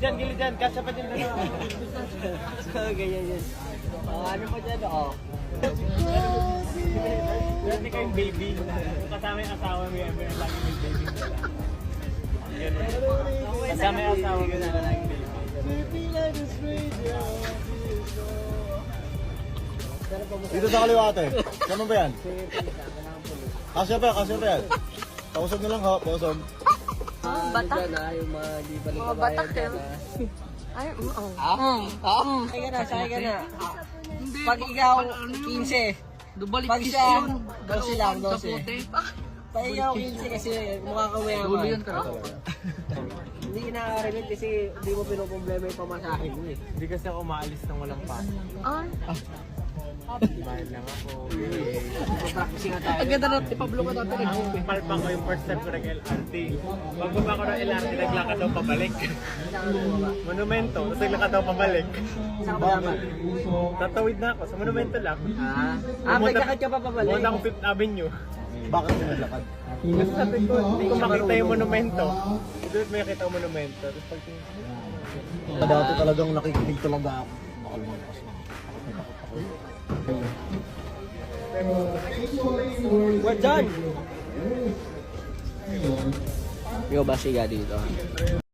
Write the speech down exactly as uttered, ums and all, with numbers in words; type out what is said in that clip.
dyan, gilid dyan. Kasya pa dyan. Ganyan yan. Oh, ano pa dyan? Oh. Dati kayong baby. Kung kasama yung asawa mo, ever yung lagi may baby mo lang. Kasama yung asawa mo na lagi baby. Dito sa kaliwa ate. Saan ba yan? Kasya pa yan, kasya pa yan. Pausog na lang ha, pausog. Oh, batak. Ano dyan ah, yung mga di balik Mga batak yan. Ay, oo. Ah? Ah? Sakay ka na, sakay ka na. Pag ikaw, fifteen. Pag siya, twelve lang, twelve. Pag ikaw, fifteen kasi mukha ka mayaman. Hindi kinaka-remit kasi hindi mo pinoproblema yung pamasahe mo eh. Hindi kasi ako maalis nang walang pasok. Ah. Bayad lang ako. Practicing nga tayo. Ang ganda na, ipablo ka natin. Palpa ko yung first time ko nag-L R T. Pagbaba ko ng L R T, naglakad daw pabalik. Monumento, tapos naglakad daw pabalik. Saan ka ba? Tatawid na ako, sa monumento lang. Ah, ah may lakad ka pa pabalik. Pumunta akong Fifth Avenue. Bakit mo naglakad? Kasi sabi ko, hindi ko makita yung monumento. Doon may nakita yung monumento. Tapos pag Dati talagang nakikinig talaga ako. Makalman kasi. We're done! Ikaw ba siya dito?